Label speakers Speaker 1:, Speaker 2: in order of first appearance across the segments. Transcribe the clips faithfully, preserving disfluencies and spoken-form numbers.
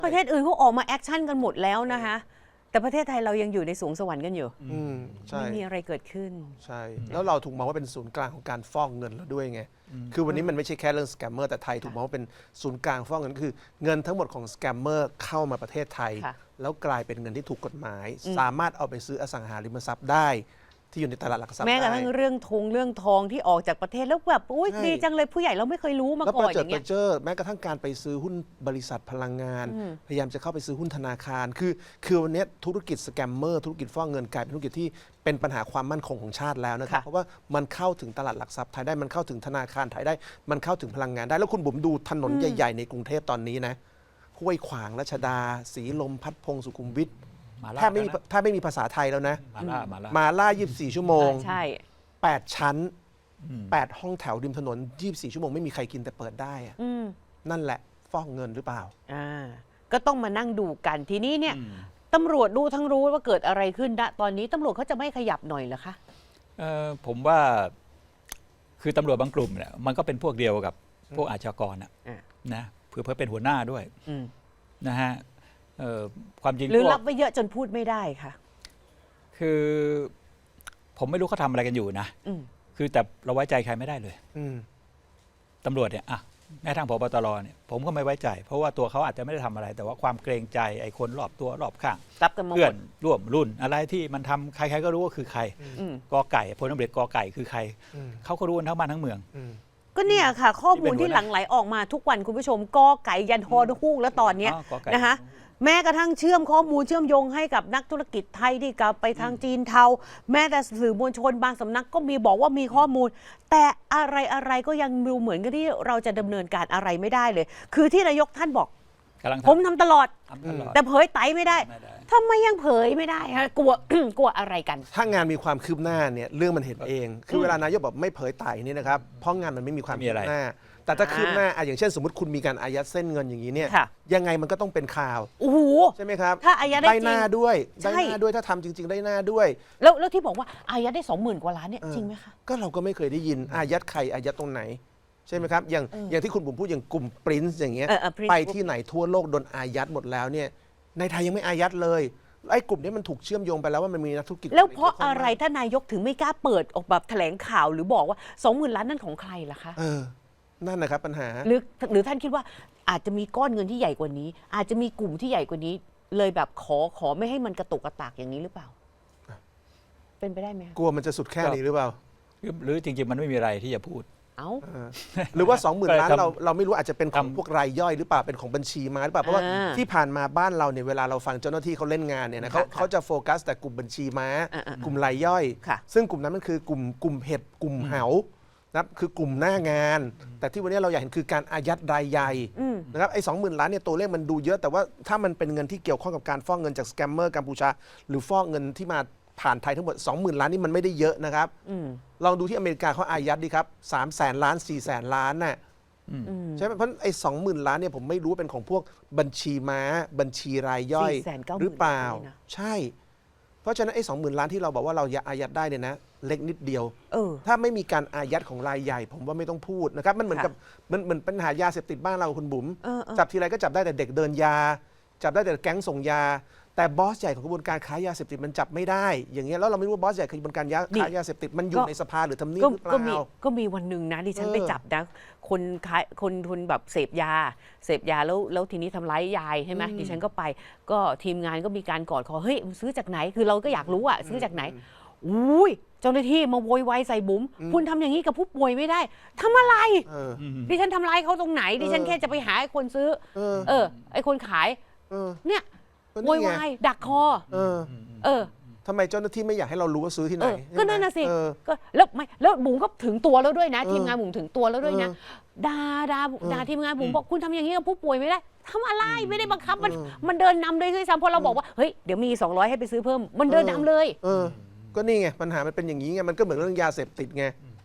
Speaker 1: ประเทศอื่นเขาออกมาแอคชั่นกันหมดแล้วนะคะแต่ประเทศไทยเรายังอยู่ในสวงสวรรค์กันอยู่
Speaker 2: อืมใช่
Speaker 1: ไม่มีอะไรเกิดขึ้น
Speaker 2: ใช่แล้วเราถูกมองว่าเป็นศูนย์กลางของการฟอกเงินแล้วด้วยไงคือวันนี้มันไม่ใช่แค่เรื่องสแกมเมอร์แต่ไทยถูกมองว่าเป็นศูนย์กลางฟอกเงินคือเงินทั้งหมดของสแกมเมอร์เข้ามาประเทศไทย
Speaker 1: ค่ะ
Speaker 2: แล้วกลายเป็นเงินที่ถูกกฎหมาย สามารถเอาไปซื้ออสังหาริมทรัพย์ได้ ที่อยู่ในตลาดหลักทรัพย์
Speaker 1: แม้กระ
Speaker 2: ได้
Speaker 1: ทั่งเรื่องทงเรื่องทองที่ออกจากประเทศแล้วแบบอุ้ย
Speaker 2: ใช่
Speaker 1: ดีจังเลยผู้ใหญ่เราไม่เคยรู้มา
Speaker 2: แล้ว
Speaker 1: ก่
Speaker 2: ป
Speaker 1: อ
Speaker 2: ระ
Speaker 1: นอ
Speaker 2: เจิด
Speaker 1: ย่าง
Speaker 2: ป
Speaker 1: เงี้ย
Speaker 2: ระเจิดแม้กระทั่งการไปซื้อหุ้นบริษัทพลังงาน พยายามจะเข้าไปซื้อหุ้นธนาคาร คือคือวันนี้ธุรกิจสแกมเมอร์ธุรกิจฟอกเงินกลายเป็นธุรกิจที่เป็นปัญหาความมั่นคงของชาติแล้วนะครับ
Speaker 1: ค่ะ
Speaker 2: เพราะว่ามันเข้าถึงตลาดหลักทรัพย์ไทยได้มันเข้าถึงธนาคารไทยได้ มันเข้าถึงพลังงานได้แล้วคุณบุ๋มดูถนนใหญ่ ๆ ในกรุงเทพตอนนี้นะห้วยขวางรัชดาศรีลมพัดพงศ์สุขุมวิท
Speaker 3: มาล่า
Speaker 2: แทบไม่มีแทบไม่มีภาษาไทยแล้วนะ
Speaker 3: มาล่ามาล่า
Speaker 2: มาล่า ยี่สิบสี่ ชั่วโมง
Speaker 1: ใช่
Speaker 2: แปด ชั้น แปด ห้องแถวริมถนน ยี่สิบสี่ ชั่วโมงไม่มีใครกินแต่เปิดได้อะ
Speaker 1: อืม
Speaker 2: นั่นแหละฟอกเงินหรือเปล่า
Speaker 1: อ่าก็ต้องมานั่งดูกันทีนี้เนี่ยตำรวจดูทั้งรู้ว่าเกิดอะไรขึ้นณตอนนี้ตำรวจเขาจะไม่ขยับหน่อยเหรอคะ
Speaker 3: เอ่อผมว่าคือตำรวจบางกลุ่มเนี่ยมันก็เป็นพวกเดียวกับพวกอาชญากรนะ
Speaker 1: อ่ะ
Speaker 3: นะเผื่อเพื่อเป็นหัวหน้าด้วย
Speaker 1: อืม
Speaker 3: นะฮะเอ่อความจริง
Speaker 1: หรือ
Speaker 3: พวก
Speaker 1: รับไว้เยอะจนพูดไม่ได้ค่ะ
Speaker 3: คือผมไม่รู้เขาทำอะไรกันอยู่นะ
Speaker 1: อืม
Speaker 3: คือแต่เราไว้ใจใครไม่ได้เลย
Speaker 2: อืม
Speaker 3: ตำรวจเนี่ยอ่ะแม้ทางพบตรเนี่ยผมก็ไม่ไว้ใจ เพราะว่าตัวเขาอาจจะไม่ได้ทำอะไร แต่ว่าความเกรงใจไอ้คนรอบตัวรอบข้าง
Speaker 1: รับกันมาห
Speaker 3: เพื่อ
Speaker 1: ม
Speaker 3: น
Speaker 1: ด
Speaker 3: ร่วมรุ่นอะไรที่มันทำใครๆก็รู้ว่าคือใคร
Speaker 1: อืม
Speaker 3: กอไก่พลตำรวจกอไก่คือใคร
Speaker 2: อืม
Speaker 3: เขาก็รู้กันทั้งบ้านทั้งเมือง
Speaker 2: อืม
Speaker 1: ก็เนี่ยค่ะ ข้อมูล
Speaker 3: ที่
Speaker 1: ที่
Speaker 3: เป็นหัวหน้า
Speaker 1: หลั่งไหลออกมาทุกวันคุณผู้ชมกอไก่ยันฮอนูกแล้วตอนเนี้ย
Speaker 3: อ๋อกอไก่
Speaker 1: นะคะแม้กระทั่งเชื่อมข้อมูลเชื่อมโยงให้กับนักธุรกิจไทยที่กลับไปทางจีนเทา แม้แต่สื่อมวลชนบางสำนักก็มีบอกว่ามีข้อมูล แต่อะไรอะไรก็ยังดูเหมือนกับที่เราจะดำเนินการอะไรไม่ได้เลย คือที่นายกท่านบอก
Speaker 3: กำลัง
Speaker 1: ผมทำตลอด
Speaker 3: ทำตลอด
Speaker 1: แต่เผยไตไม่ได้
Speaker 3: ไม่ได้
Speaker 1: ทำไมยังเผยไม่ได้คะกลัว กลัวอะไรกัน
Speaker 2: ถ้างานมีความคืบหน้าเนี่ยเรื่องมันเห็นเอง คือเวลานายกบอกไม่เผยไต่นี่นะครับเพราะงานมันไม่มีความ
Speaker 3: ไม่มี
Speaker 2: คื
Speaker 3: อะไร
Speaker 2: บหน้า แต่ถ้าคืบหน้าอ่ะอย่างเช่น สมมติคุณมีการอายัดเส้นเงินอย่างนี้เนี่ย
Speaker 1: ค่ะ
Speaker 2: ยังไงมันก็ต้องเป็นข่าว
Speaker 1: โอ้โห
Speaker 2: ใช่ไหมครับ
Speaker 1: ถ้าอายัดได้
Speaker 2: ได้
Speaker 1: จริง
Speaker 2: หน้าด้วย
Speaker 1: ใช่
Speaker 2: ได้หน้าด้วยถ้าทำจริง ๆ ได้หน้าด้วย
Speaker 1: แล้วแล้วที่บอกว่าอายัดได้สองหมื่นกว่าล้านเนี่ย
Speaker 2: เออ
Speaker 1: จริงไหมคะ
Speaker 2: ก็เราก็ไม่เคยได้ยินอายัดใครอายัดตรงไหน ใช่ไหมครับอย่างอย่างที่คุณบุ๋มพูดอย่างกลุ่มปรินซ์อย่างเงี้ย
Speaker 1: เออเออ Prince
Speaker 2: ไปที่ไหนทั่วโลกโดนอายัดหมดแล้วเนี่ยในไทยยังไม่อายัดเลยไอ้กลุ่มนี้มันถูกเชื่อมโยงไปแล้วว่ามันมีนักธุรกิจ
Speaker 1: แล้วเพราะอะไร
Speaker 2: ที่
Speaker 1: ท่านนายกถึงไม่กล้าเปิดออกแบบแถลงข่าวหรือบอกว่าสองหมื่นล้านนั่นของใครล่ะคะ
Speaker 2: เออนั่นนะครับปัญหา
Speaker 1: หรือหรือท่านคิดว่าอาจจะมีก้อนเงินที่ใหญ่กว่านี้ อาจจะมีกลุ่มที่ใหญ่กว่านี้ เลยแบบขอขอไม่ให้มันกระตุกกระตากอย่างนี้หรือเปล่า เป็นไปได้ไหมคะ
Speaker 2: กลัวมันจะสุดแค่นี้หรือเปล่า
Speaker 3: หรือหรือจริง ๆ มันไม่มีอะไรที่จะพูด
Speaker 1: เอ้า
Speaker 2: เออหรือว่า สองหมื่น
Speaker 3: ก็เลย
Speaker 2: ล้าน
Speaker 3: ทำ
Speaker 2: เราเราไม่รู้อาจจะเป็นของ
Speaker 3: ทำ
Speaker 2: พวกรายย่อยหรือเปล่าเป็นของบัญชีม้าหรือเปล่าเพราะว่า
Speaker 1: อ่า
Speaker 2: ที่ผ่านมาบ้านเราเนี่ยเวลาเราฟังเจ้าหน้าที่เขาเล่นงานเนี่ยนะเขา
Speaker 1: ค่ะ
Speaker 2: เขาจะโฟกัสแต่กลุ่มบัญชีม้า
Speaker 1: อ่าๆ
Speaker 2: กลุ่มรายย่อย
Speaker 1: ค่ะ
Speaker 2: ซึ่งกลุ่มนั้นมันคือกลุ่มกลุ่มเห็ดกลุ่มเหานะครับคือกลุ่มหน้างาน แต่ที่วันนี้เราอยากเห็นคือการอายัดรายใหญ่
Speaker 1: อืม
Speaker 2: นะครับไอ้สองหมื่นล้านเนี่ยตัวเลขมันดูเยอะแต่ว่าถ้ามันเป็นเงินที่เกี่ยวข้องกับการฟอกเงินจากสแกมเมอร์กัมพูชาหรือฟอกเงินที่มาผ่านไทยทั้งหมด สองหมื่น ล้านนี่มันไม่ได้เยอะนะครับ
Speaker 1: อืม
Speaker 2: ลองดูที่อเมริกาเขาอายัดดีครับสามแสนล้านสี่แสนล้านน่ะ
Speaker 1: อืม
Speaker 2: ใช่ไหมเพราะไอ้สองหมื่นล้านเนี่ยผมไม่รู้ว่าเป็นของพวกบัญชีม้า บัญชีรายย่อย
Speaker 1: สี่แสนเก้าหมื่น
Speaker 2: หรือเปล่า
Speaker 1: เลยนะ
Speaker 2: ใช่ เพราะฉะนั้นไอ้สองหมื่นล้านที่เราบอกว่าเราอายัดได้เนี่ยนะเล็กนิดเดียว
Speaker 1: เออ
Speaker 2: ถ้าไม่มีการอายัดของรายใหญ่ ผมว่าไม่ต้องพูดนะครับมันเหมือน
Speaker 1: ค่ะ
Speaker 2: กับมันเหมือนปัญหายาเสพติดบ้านเราคุณบุ๋ม
Speaker 1: เออเออ
Speaker 2: จับทีไรก็จับได้แต่เด็กเดินยา จับได้แต่แก๊งส่งยา แต่บอสใหญ่ของกระบวนการค้ายาเสพติดมันจับไม่ได้ อย่างเงี้ยแล้วเราไม่รู้ว่าบอสใหญ่ของกระบวนการยาค้ายาเสพติดมันอยู่ในสภาหรือทำเนียบ
Speaker 1: ก็
Speaker 2: หรือเป
Speaker 1: ก็มี
Speaker 2: ล่า
Speaker 1: ก็มีวันหนึ่งนะดิฉัน
Speaker 2: เออ
Speaker 1: ไปจับนะคนขายคนทุนแบบเสพยา เสพยาแล้วแล้วทีนี้ทำร้ายยายใช่ไหมดิฉันก็ไป ก็ทีมงานก็มีการกอดคอเฮ้ยมึงซื้อจากไหนคือเราก็อยากรู้อะซื้อจากไหนอุ้ยเจ้าหน้าที่มาโวยวายใส่บุ๋มคุณทำอย่างนี้กับผู้ป่วยไม่ได้ทำอะไร
Speaker 2: เออ
Speaker 1: ดิฉันทำร้ายเขาตรงไหน ดิฉัน
Speaker 2: เออ
Speaker 1: แค่จะไปหาไอ้คนซื้อ
Speaker 2: เออ
Speaker 1: เออ ไอ้คนขาย
Speaker 2: เออ
Speaker 1: เนี่ย
Speaker 2: ก็
Speaker 1: โว
Speaker 2: นี่
Speaker 1: ย
Speaker 2: ไง
Speaker 1: วายดักคอ
Speaker 2: เออ
Speaker 1: เออ
Speaker 2: ทำไมเจ้าหน้าที่ไม่อยากให้เรารู้ว่าซื้อที่ไหน
Speaker 1: เออ ก็นั่นน่ะสิ
Speaker 2: เออ
Speaker 1: ก็แล้วไม่แล้วบุ๋มก็ถึงตัวแล้วด้วยนะ
Speaker 2: เออ
Speaker 1: ทีมงานบุ๋มถึงตัวแล้วด้วยนะ
Speaker 2: เออ
Speaker 1: ด่าด่าด่าทีมงานบุ๋มบอกคุณทำอย่างนี้กับผู้ป่วยไม่ได้ทำอะไรไม่ได้บังคับมัน
Speaker 2: เออ
Speaker 1: มันเดินนำเลยด้วยซ้ำพอเราบอกว่าเฮ้ยเดี๋ยวมีสองร้อยให้ไปซื้อเพิ่มมันเดินนำเลย
Speaker 2: เออ ก็นี่ไงปัญหามันเป็นอย่างนี้ไงมันก็เหมือนเรื่องยาเสพติดไง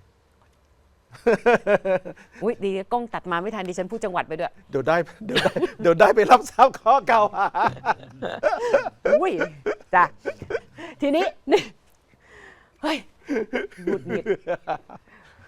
Speaker 1: อุ้ยดีกล้องตัดมาไม่ทันดิฉันพูดจังหวัดไปด้วย
Speaker 2: เดี๋ยวได้เดี๋ยวได้เดี๋ยวได้ไปรับทราบข้อกล่าวหา
Speaker 1: อุ้ยจ้ะทีนี้นี่เฮ้ยหงุดหงิด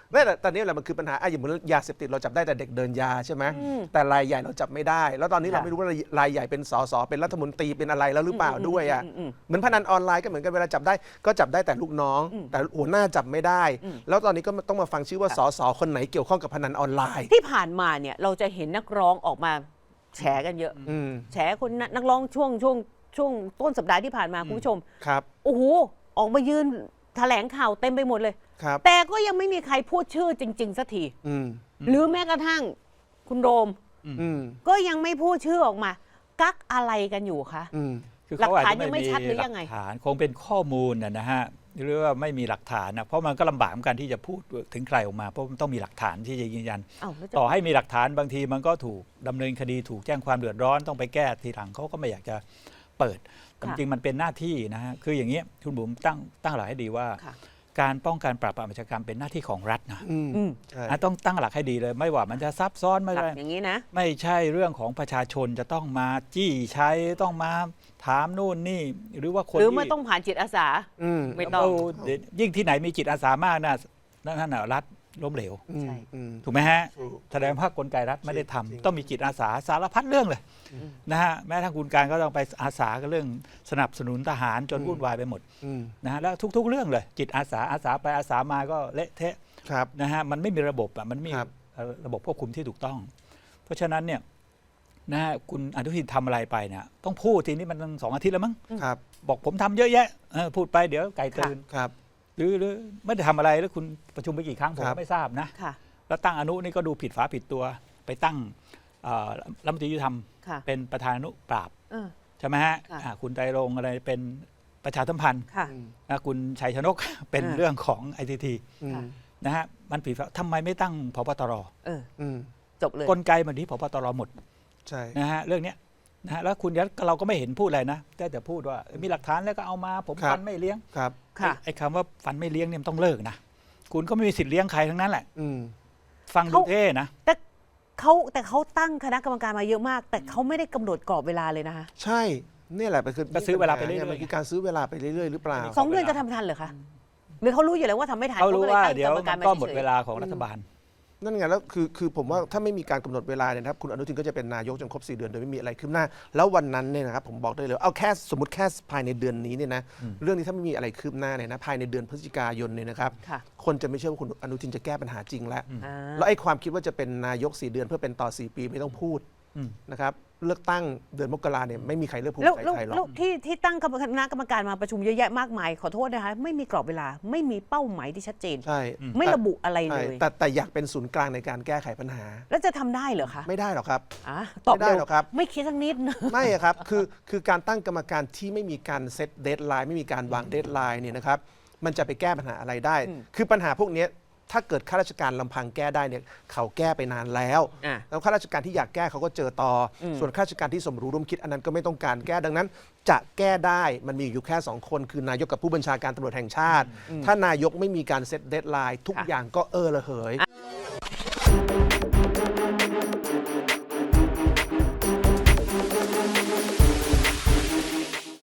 Speaker 2: ไม่แต่ตอนนี้แหละมันคือปัญหาอ่ะอย่างเหมือนยาเสพติดเราจับได้แต่เด็กเดินยาใช่ไหมแต่รายใหญ่เราจับไม่ได้ แล้วตอนนี้เราไม่รู้ว่ารายใหญ่เป็นสสเป็นรัฐมนตรีเป็นอะไรแล้วหรือเปล่าด้วยอ่ะเหมือนพนันออนไลน์ก็เหมือนกันเวลาจับได้ก็จับได้แต่ลูกน้อง แต่หัวหน้าจับไม่ได้ แล้วตอนนี้ก็ต้องมาฟังชื่อว่าสสคนไหนเกี่ยวข้องกับพนันออนไลน์
Speaker 1: ที่ผ่านมาเนี่ยเราจะเห็นนักร้องออกมาแฉกันเยอะ
Speaker 2: อืม
Speaker 1: แฉคนนักนักร้องช่วงช่วงช่วงต้นสัปดาห์ที่ผ่านมาคุณผู้ชม
Speaker 2: ครับ
Speaker 1: โอ้โหออกมายืนแถลงข่าวเต็มไปหมดเลย
Speaker 2: ครับ
Speaker 1: แต่ก็ยังไม่มีใครพูดชื่อจริง ๆสักที
Speaker 2: อืม
Speaker 1: หรือแม้กระทั่งคุณโรม
Speaker 2: อืม
Speaker 1: ก็ยังไม่พูดชื่อออกมา กักอะไรกันอยู่คะ
Speaker 2: อืม
Speaker 3: คือเขาอาจจะ
Speaker 1: หลักฐานยังไม่
Speaker 3: ไม่มี
Speaker 1: ชัดหรือ
Speaker 3: หลั
Speaker 1: ยังไง
Speaker 3: กฐานคงเป็นข้อมูลนะนะฮะหรือว่าไม่มีหลักฐานนะเพราะมันก็ลำบากเหมือนกันที่จะพูดถึงใครออกมาเพราะมันต้องมีหลักฐานที่จะยืนยัน
Speaker 1: อ้าวแล้วจะ
Speaker 3: ต่อให้มีหลักฐานบางทีมันก็ถูกดำเนินคดีถูกแจ้งความเดือดร้อนต้องไปแก้ทีหลังเขาก็ไม่อยากจะเปิดแต่จริงๆมันเป็นหน้าที่นะฮะคืออย่างนี้คุณบุ๋มตั้งตั้งหลักให้ดีว่า
Speaker 1: ค่ะ
Speaker 3: การป้องกันปราบปรามอาชญากรรมเป็นหน้าที่ของรัฐนะ
Speaker 2: อืม
Speaker 1: อืม
Speaker 2: ใช่
Speaker 3: อ่ะต้องตั้งหลักให้ดีเลย ไม่ว่ามันจะซับซ้อนไม่
Speaker 1: หลัก
Speaker 3: ได้
Speaker 1: อย่างนี้นะ
Speaker 3: ไม่ใช่เรื่องของประชาชนจะต้องมาจี้ใช้ต้องมาถามนู่นนี่หรือว่าคน
Speaker 1: หรือ
Speaker 3: ที่
Speaker 1: ไม่ต้องผ่านจิตอาสา
Speaker 2: อืม
Speaker 1: ไม่ต้อง
Speaker 3: เดี๋ยวยิ่งที่ไหนมีจิตอาสามากนะนั่นน่ะรัฐล้มเหลว
Speaker 2: อืม
Speaker 1: ใช่
Speaker 2: อืม
Speaker 3: ถูกไหมฮะ
Speaker 2: ถูก
Speaker 3: แสดงว่ากลไกรัฐไม่ได้ทำ
Speaker 2: จริง
Speaker 3: ต้องมีจิตอาสาสารพัดเรื่องเลยนะฮะแม้ทั้งคุณการก็ต้องไปอาสากับเรื่องสนับสนุนทหารจนวุ่นวายไปหมด
Speaker 2: อืม
Speaker 3: นะฮะแล้วทุก ๆ เรื่องเลย จิตอาสาอาสาไปอาสามาก็เละเทะ
Speaker 2: ครับ
Speaker 3: นะฮะมันไม่มีระบบอ่ะมันไม่มี
Speaker 2: ครับ
Speaker 3: เอ่อระบบควบคุมที่ถูกต้อง เพราะฉะนั้นเนี่ยนะฮะคุณอนุทินทำอะไรไปเนี่ยต้องพูดทีนี้มันตั้งสองอาทิตย์แล้วมั้ง
Speaker 2: ครับ
Speaker 3: บอกผมทำเยอะแยะเออพูดไปเดี๋ยวไก่ตื่น
Speaker 2: ครับ
Speaker 3: หรือหรือไม่ได้ทำอะไรแล้วคุณประชุมไปกี่ครั้งผม
Speaker 2: ครั
Speaker 3: ก็
Speaker 2: บ
Speaker 3: ไม่ทราบนะ
Speaker 1: ค่ะ
Speaker 3: แล้วตั้งอนุนี่ก็ดูผิดฝาผิดตัวไปตั้งเอ่อรัฐมนตรียุติธรรม
Speaker 1: ค่ะ
Speaker 3: เป็นประธานอนุปราบ
Speaker 1: เออ
Speaker 3: ใช่ไหมฮะ
Speaker 1: ค่ะ
Speaker 3: อ่าคุณไตรรงค์อะไรเป็นประชาสัมพันธ์
Speaker 1: ค่ะ
Speaker 2: อืม
Speaker 3: นะคุณชัยชนก เป็น
Speaker 1: อ่า
Speaker 3: เรื่องของไอทีที
Speaker 2: อืม
Speaker 1: ค่ะ
Speaker 3: นะฮะมันผิดฝาทำไมไม่ตั้งพบตร
Speaker 1: เออ
Speaker 2: อืม
Speaker 1: จบเลย
Speaker 3: กลไกมันที่พบตรหมด
Speaker 2: ใช่
Speaker 3: นะฮะเรื่องเนี้ยนะฮะแล้วคุณยัดเราก็ไม่เห็นพูดอะไรนะแต่แต่พูดว่ามีหลักฐานแล้วก็เอามาผมฟันไม่เลี้ยง
Speaker 2: ครับ
Speaker 1: ค่ะ
Speaker 3: ไอ้คำว่าฟันไม่เลี้ยงเนี่ยมันต้องเลิกนะคุณก็ไม่มีสิทธิ์เลี้ยงใครทั้งนั้นแหละ
Speaker 2: อืม
Speaker 3: ฟังดู
Speaker 1: เขา
Speaker 3: เท่นะ
Speaker 1: แต่เขาแต่เขาตั้งคณะกรรมการมาเยอะมาก แต่เขาไม่ได้กำหนดกรอบเวลาเลยนะคะ
Speaker 2: ใช่เนี่ยแหละเป็นคือ
Speaker 3: ก็ซื้อเวลาไปเรื่อยๆ
Speaker 2: มันคือการซื้อเวลาไปเรื่อยๆหรือเปล่า
Speaker 1: สองเดือนจะทำทันเหรอคะ หรือเขารู้อยู่แล้วว่าทำไม่ทัน
Speaker 3: เขารู้
Speaker 1: ก็ล
Speaker 3: ว่า
Speaker 1: ตั้ง
Speaker 3: เดี๋ยว
Speaker 1: กรรก
Speaker 3: มั
Speaker 1: ร
Speaker 3: นก็หมด
Speaker 1: ฉยๆ
Speaker 3: เวลาของรัฐบาล
Speaker 2: นั่นไงแล้วคือคือผมว่าถ้าไม่มีการกำหนดเวลาเนี่ยนะครับคุณอนุทินก็จะเป็นนายกจนครบสี่เดือนโดยไม่มีอะไรคืบหน้า แล้ววันนั้นเนี่ยนะครับผมบอกได้เลยเอาแค่สมมติแค่ภายในเดือนนี้เนี่ยนะเรื่องนี้ถ้าไม่มีอะไรคืบหน้าเนี่ยนะภายในเดือนพฤศจิกายนเนี่ยนะครับ
Speaker 1: ค่ะ
Speaker 2: คนจะไม่เชื่อว่าคุณอนุทินจะแก้ปัญหาจริงแล้ว
Speaker 1: อ่า
Speaker 2: แล้วไอ้ความคิดว่าจะเป็นนายกสี่เดือนเพื่อเป็นต่อสี่ปีไม่ต้องพูด
Speaker 3: อืม
Speaker 2: นะครับเลือกตั้งเดือนมกราเนี่ยไม่มีใครเลือกภูมิ
Speaker 1: แล้ว
Speaker 2: ใจ
Speaker 1: แล้ว
Speaker 2: ไทยหรอก
Speaker 1: แล้วที่ที่ตั้งคณะกรรมการมาประชุมเยอะแยะมากมาย ขอโทษนะคะ ไม่มีกรอบเวลา ไม่มีเป้าหมายที่ชัดเจน
Speaker 2: ใช่
Speaker 1: ไม่ระบุอะไรเล
Speaker 2: ใช่
Speaker 1: ย
Speaker 2: แต่แต่อยากเป็นศูนย์กลางในการแก้ไขปัญหา
Speaker 1: แล้วจะทำได้เหรอคะ
Speaker 2: ไม่ได้หรอกครับ
Speaker 1: อ่ะตอบ
Speaker 2: ไม่ได้
Speaker 1: เร็ว
Speaker 2: หรอกครับ
Speaker 1: ไม่คิดสักนิดนะ
Speaker 2: ไม่อะครับ คือ คือการตั้งกรรมการที่ไม่มีการเซตเดทไลน์ไม่มีการวางเดทไลน์เนี่ยนะครับ มันจะไปแก้ปัญหาอะไรได้
Speaker 1: อืม
Speaker 2: คือปัญหาพวกเนี้ยถ้าเกิดข้าราชการลำพังแก้ได้เนี่ยเขาแก้ไปนานแล้ว
Speaker 1: อ่ะ
Speaker 2: แล้วข้าราชการที่อยากแก้เขาก็เจอต่ออ
Speaker 1: ม
Speaker 2: ส่วนข้าราชการที่สมรู้ร่วมคิดอันนั้นก็ไม่ต้องการแก้ ดังนั้น จะแก้ได้มันมีอยู่แค่สองคนคือนายกกับผู้บัญชาการตำรวจแห่งชาติ ถ้านายกไม่มีการเซตเดทไลน์ทุก
Speaker 1: ค่ะ
Speaker 2: อย่างก็เออระเหย
Speaker 1: อ่ะ